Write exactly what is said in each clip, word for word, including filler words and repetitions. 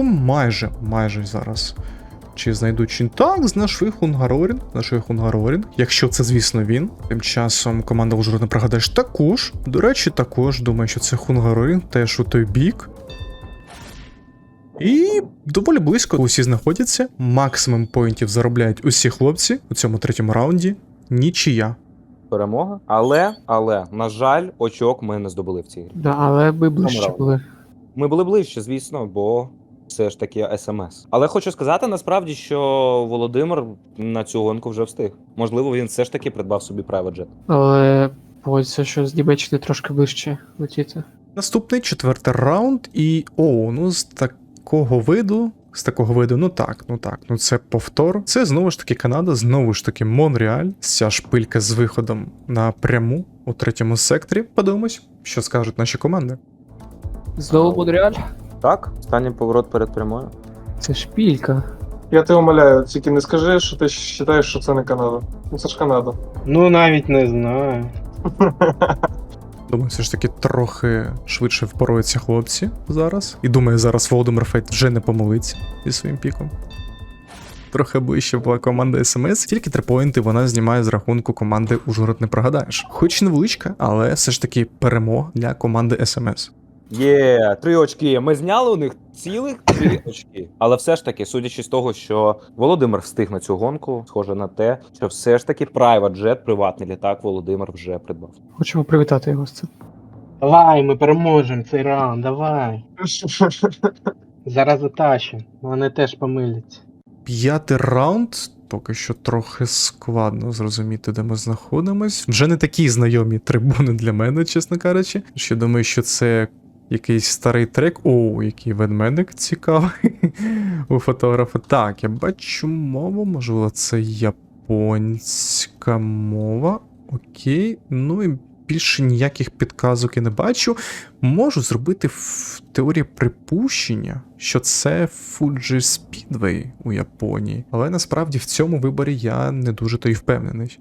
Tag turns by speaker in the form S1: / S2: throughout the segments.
S1: раунду майже, майже зараз. Чи знайдуть чи так, знайшли Хунгарорін, знайшли Хунгарорін, якщо це, звісно, він. Тим часом команда Ужгород, не пригадаєш, також. До речі, також думаю, що це Хунгарорін, теж у той бік. І доволі близько усі знаходяться. Максимум поінтів заробляють усі хлопці у цьому третьому раунді. Нічия.
S2: Перемога. Але, але, на жаль, очок ми не здобули в цій грі.
S3: Да, але ми ближче
S2: Помирали.
S3: були.
S2: Ми були ближче, звісно, бо все ж таки ес-ем-ес. Але хочу сказати насправді, що Володимир на цю гонку вже встиг. Можливо, він все ж таки придбав собі private jet.
S3: Але погодься, що з Німеччини трошки ближче летіти.
S1: Наступний четвертий раунд, і о, ну з такого виду, з такого виду, ну так, ну так, ну це повтор. Це знову ж таки Канада, знову ж таки Монреаль. Ця шпилька з виходом напряму у третьому секторі. Подивимось, що скажуть наші команди.
S3: Знову Монреаль?
S2: Так, останній поворот перед прямою.
S3: Це шпілька.
S4: Я тебе умоляю, тільки не скажи, що ти вважаєш, що це не Канада. Ну це ж Канада.
S5: Ну навіть не знаю.
S1: Думаю, все ж таки трохи швидше впораються хлопці зараз. І думаю, зараз Володимир Фейт вже не помилиться зі своїм піком. Трохи ближче була команда СМС, тільки три поінти вона знімає з рахунку команди Ужгород не прогадаєш. Хоч невеличка, але все ж таки перемога для команди СМС.
S2: Є, три очки. Ми зняли у них цілих три очки. Але все ж таки, судячи з того, що Володимир встиг на цю гонку, схоже на те, що все ж таки Private Jet, приватний літак, Володимир вже придбав.
S3: Хочемо привітати його з цим.
S5: Давай, ми переможемо цей раунд, давай. Зараз затащимо. Вони теж помиляться.
S1: П'ятий раунд. Поки що трохи складно зрозуміти, де ми знаходимось. Вже не такі знайомі трибуни для мене, чесно кажучи. Ще думаю, що це якийсь старий трек. О, який ведмедик цікавий у фотографа. Так, я бачу мову, можливо, це японська мова. Окей, ну і більше ніяких підказок я не бачу. Можу зробити в теорії припущення, що це Fuji Speedway у Японії. Але насправді в цьому виборі я не дуже то й впевнений.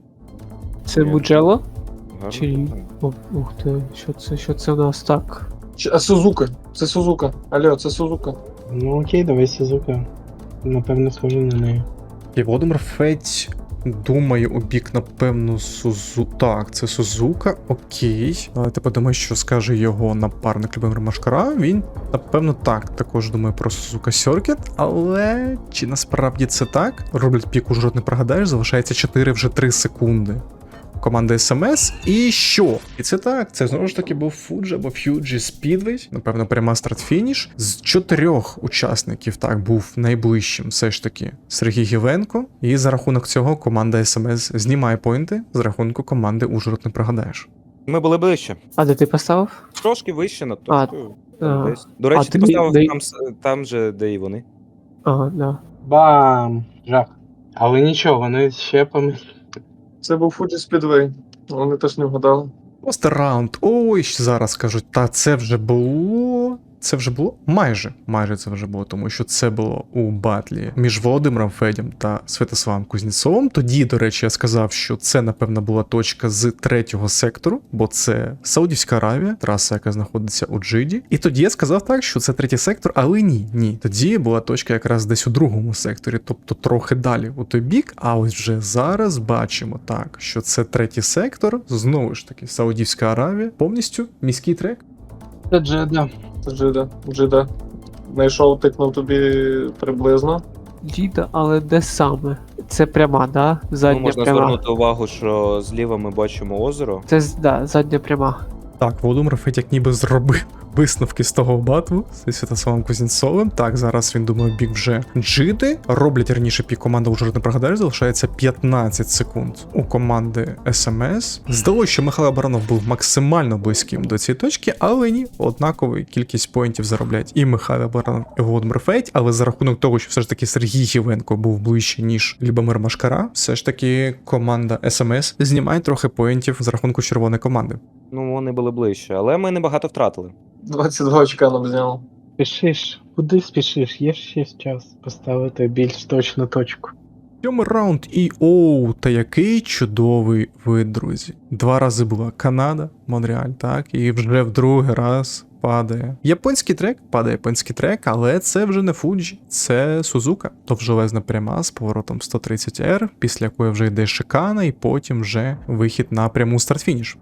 S3: Це
S2: Ні.
S3: Буджело?
S2: Гарно.
S3: Чи ні? О, ух ти, що це, що це у нас так?
S4: Чи- А Сузука. Це Сузука. Алло, це Сузука.
S5: Ну окей, давай Сузука. Напевно, схоже на неї.
S1: І Володимир Федь думає у бік, напевно, Сузу... Так, це Сузука, окей. Давайте подумаємо, що скаже його напарник Любомир Машкара. Він, напевно, так, також думає про Сузука Circuit, але чи насправді це так? Роблять пік, Ужгород не прогадаєш, залишається чотири вже три секунди. Команда СМС. І що? І це так, це знову ж таки був Fuji або Fuji Speedway, напевно, пряма старт-фініш. З чотирьох учасників так був найближчим все ж таки Сергій Гівенко. І за рахунок цього команда СМС знімає поінти з рахунку команди Ужгород не прогадаєш.
S2: Ми були ближче.
S3: А де ти поставив?
S2: Трошки вище над
S3: А,
S2: точкою.
S3: а.
S2: Десь. До речі,
S3: А
S2: ти
S3: ти
S2: поставив
S3: де-
S2: там, с- там же, де і вони.
S3: Ага, да.
S5: Бам! Жах. Але нічого, вони ще помиляться.
S4: Це був Fuji Speedway. Вони теж не вгадали.
S1: Просто раунд. Ой, зараз кажуть, та це вже було. Це вже було? Майже. Майже це вже було, тому що це було у батлі між Володимиром Федем та Святославом Кузнєцовим. Тоді, до речі, я сказав, що це, напевно, була точка з третього сектору, бо це Саудівська Аравія, траса, яка знаходиться у Джиді. І тоді я сказав так, що це третій сектор, але ні, ні. Тоді була точка якраз десь у другому секторі, тобто трохи далі у той бік. А ось вже зараз бачимо так, що це третій сектор, знову ж таки, Саудівська Аравія, повністю міський трек.
S5: Це Джеда.
S4: Це Джида. Джида. Знайшов, тикнув тобі приблизно.
S3: Діда, але де саме? Це пряма, да?
S2: Ну,
S3: Задня
S2: можна
S3: пряма.
S2: звернути увагу, що зліва ми бачимо озеро.
S3: Це з- да, задня пряма.
S1: Так, Володимир Федь як ніби зробив висновки з того батву зі Святославом Кузнєцовим. Так, зараз він думає бік вже Джиди. Роблять раніше пік команда Ужгород не прогадаєш, залишається п'ятнадцять секунд у команди СМС. Здалося, що Михайло Баранов був максимально близьким до цієї точки, але ні, однакову кількість поінтів заробляють і Михайло Баранов, і Володимир Федь, але за рахунок того, що все ж таки Сергій Гівенко був ближче, ніж Любомир Машкара, все ж таки команда СМС знімає трохи поінтів з рахунку червоної команди.
S2: Ну, вони були ближче, але ми небагато втратили.
S4: двадцять два очка нам зняв.
S5: Спішиш. Куди спішиш? Є ще час поставити більш точну точку.
S1: Сьомий раунд і оу, та який чудовий вид, друзі. Два рази була Канада, Монреаль, так, і вже в другий раз падає. Японський трек, падає японський трек, але це вже не Фуджі, це Сузука. Довжелезна пряма з поворотом сто тридцять ер, після якої вже йде шикана, і потім вже вихід на пряму старт-фініш.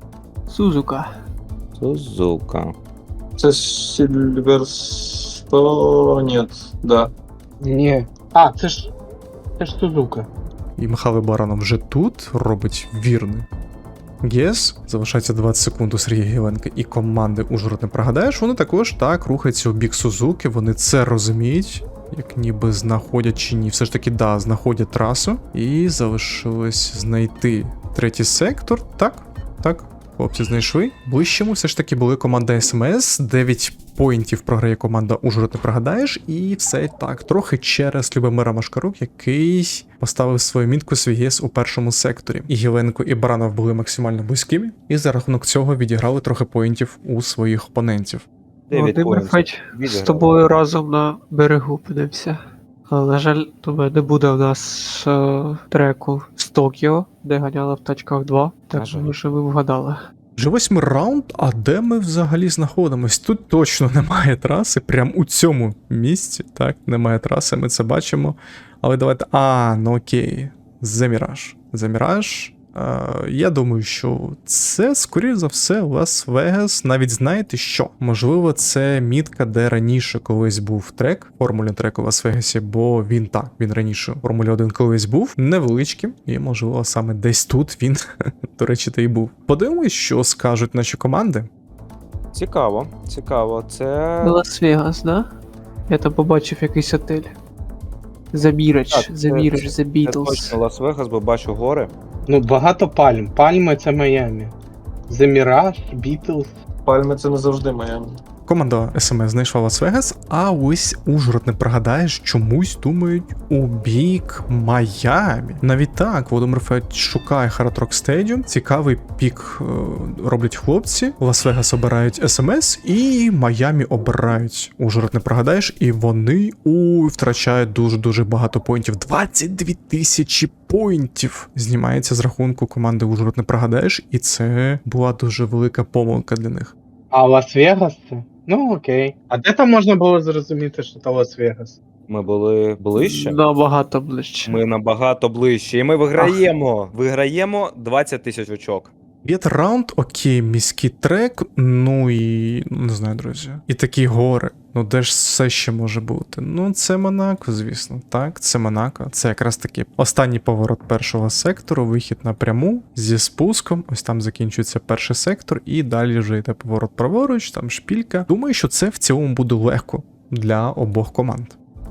S3: Сузука.
S2: Сузука.
S4: Це Сильверсто... Ні, да.
S5: Ні. А, це ж. Це ж Сузука.
S1: І Михайло Баранов вже тут робить вірний гес. Залишається двадцять секунд у Сергія Гівенка і команди Ужгород не прогадаєш. Вони також так рухаються у бік Сузуки. Вони це розуміють, як ніби знаходять чи ні. Все ж таки, да, знаходять трасу. І залишилось знайти третій сектор. Так, так. Хлопці знайшли. Ближчому все ж таки були команда СМС. дев'ять поінтів програє команда Ужгород не прогадаєш. І все так, трохи через Любомира Машкарук, який поставив свою мітку свій ГЕС у першому секторі. І Гіленко, і Баранов були максимально близькими. І за рахунок цього відіграли трохи поінтів у своїх опонентів.
S2: Дев'ять
S3: Володимир
S2: поінтів.
S3: Федь з
S2: Відіграли.
S3: тобою разом на берегу підемося. Але, на жаль, тебе не буде в нас е, треку з Токіо, де ганяли в тачках два.
S2: На
S3: Так
S2: жаль.
S3: що ви вгадали.
S1: Вже восьмий раунд, а де ми взагалі знаходимось? Тут точно немає траси, прям у цьому місці, так, немає траси, ми це бачимо. Але давайте. А, ну окей. The Mirage. The Mirage. Е, я думаю, що це, скоріш за все, Лас-Вегас. Навіть знаєте що? Можливо, це мітка, де раніше колись був трек, формулі трек у Лас-Вегасі, бо він так, він раніше в Формулі один колись був, невеличким, і, можливо, саме десь тут він, до речі, та й був. Подивимось, що скажуть наші команди.
S2: Цікаво, цікаво. Це.
S3: Лас-Вегас, да? Я там побачив якийсь отель. The Mirage,
S2: Так,
S3: The
S2: це-
S3: Mirage, The
S2: Це
S3: Beatles.
S2: точно Лас-Вегас, бо бачу гори.
S5: Ну, багато пальм. Пальми це Майамі. The Mirage, Beatles.
S4: Пальми це не завжди Майами.
S1: Команда ес ем ес знайшла Лас-Вегас, а ось Ужгород не пригадаєш, чомусь думають у бік Майамі. Навіть так, Володимир Федь шукає Hard Rock Stadium, цікавий пік е, роблять хлопці, Лас-Вегас обирають ес ем ес і Майамі обирають Ужгород не пригадаєш, і вони у втрачають дуже-дуже багато поінтів. двадцять дві тисячі поінтів знімається з рахунку команди Ужгород не пригадаєш, і це була дуже велика помилка для них.
S5: А Лас-Вегас це? Ну окей. А де там можна було зрозуміти, що це Лас-Вегас?
S2: Ми були ближче.
S3: Набагато ближче.
S2: Ми набагато ближче. І ми виграємо. Виграємо двадцять тисяч очок.
S1: П'ятий раунд, окей, міський трек, ну і ну, не знаю, друзі. І такі гори. Ну де ж все ще може бути? Ну, це Монако, звісно. Так, це Монако. Це якраз таки останній поворот першого сектору, вихід напряму зі спуском. Ось там закінчується перший сектор, і далі вже йде поворот праворуч, там шпілька. Думаю, що це в цілому буде легко для обох команд.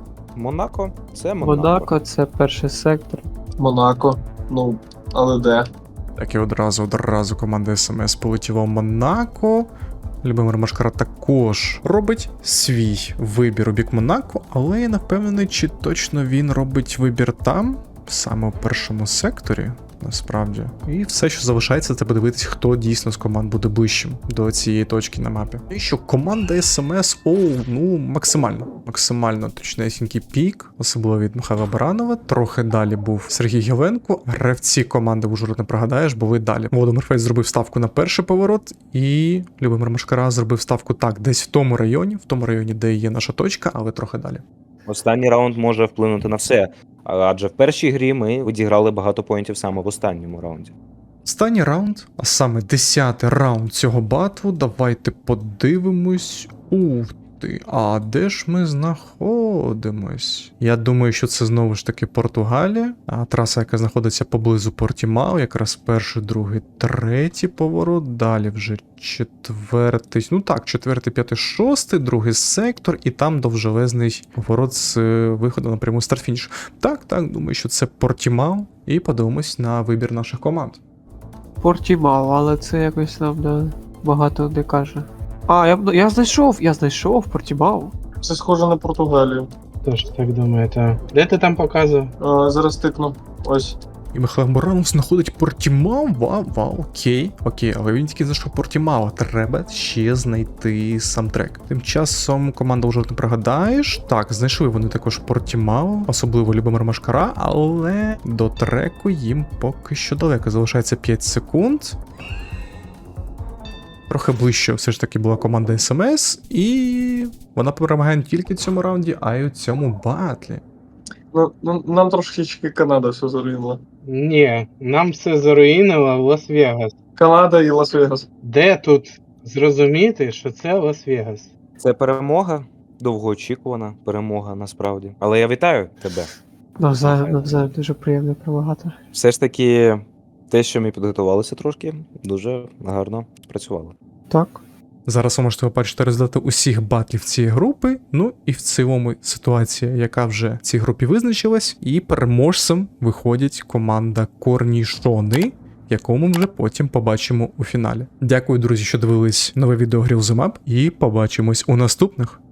S2: Монако це Монако.
S3: Монако це перший сектор.
S4: Монако. Ну, але де?
S1: Так і одразу, одразу команда ес ем ес полетіла в Монако. Любомир Машкара також робить свій вибір у бік Монако, але я не впевнений, чи точно він робить вибір там, саме у першому секторі, насправді. І все, що залишається, це подивитись, хто дійсно з команд буде ближчим до цієї точки на мапі. І що команда ес ем ес, о, ну, максимально, максимально точнесінький пік, особливо від Михайла Баранова. Трохи далі був Сергій Гіленко. Гравці команди Ужгород не пригадаєш, були далі. Володимир Федь зробив ставку на перший поворот, і Любомир Машкара зробив ставку так, десь в тому районі, в тому районі, де є наша точка, але трохи далі.
S2: Останній раунд може вплинути на все. Адже в першій грі ми відіграли багато поінтів саме в останньому раунді.
S1: Останній раунд, а саме десятий раунд цього батлу, давайте подивимось. Ух ти, а де ж ми знаходимось? Я думаю, що це знову ж таки Португалія, а траса, яка знаходиться поблизу Портімау, якраз перший, другий, третій поворот, далі вже четвертий, ну так, четвертий, п'ятий, шостий, другий сектор, і там довжелезний поворот з е, виходу на пряму старт-фініш. Так, так, думаю, що це Портімау, і подивимось на вибір наших команд.
S3: Портімау, але це якось нам да, багато не каже. А, я, я знайшов, я знайшов Портімау.
S4: Це схоже на Португалію.
S5: Тож так думаєте. Де ти там показував?
S4: А, зараз тикну. Ось.
S1: І Михайло Баранов знаходить Портімау, вау, вау, окей, окей, але він тільки знайшов Портімау, треба ще знайти сам трек. Тим часом команда вже не пригадаєш. Так, знайшли вони також Портімау, особливо Любомир Машкара, але до треку їм поки що далеко. Залишається п'ять секунд. Трохи ближче все ж таки була команда ес ем ес, і вона перемагає не тільки в цьому раунді, а й у цьому батлі.
S4: Ну, ну, нам трошки Канада все заруїнила.
S5: Ні, нам все заруїнило в Лас-Вегас.
S4: Канада і Лас-Вегас.
S5: Де тут зрозуміти, що це Лас-Вегас?
S2: Це перемога, довгоочікувана перемога насправді. Але я вітаю тебе.
S3: Навзаєм, навзаєм, дуже приємно перемагати.
S2: Все ж таки, те, що ми підготувалися трошки, дуже гарно спрацювало.
S3: Так.
S1: Зараз ви можете побачити результати усіх батлів цієї групи. Ну і в цілому ситуація, яка вже в цій групі визначилась. І переможцем виходить команда Корнішони, яку ми вже потім побачимо у фіналі. Дякую, друзі, що дивились нове відео Grill The Map, і побачимось у наступних.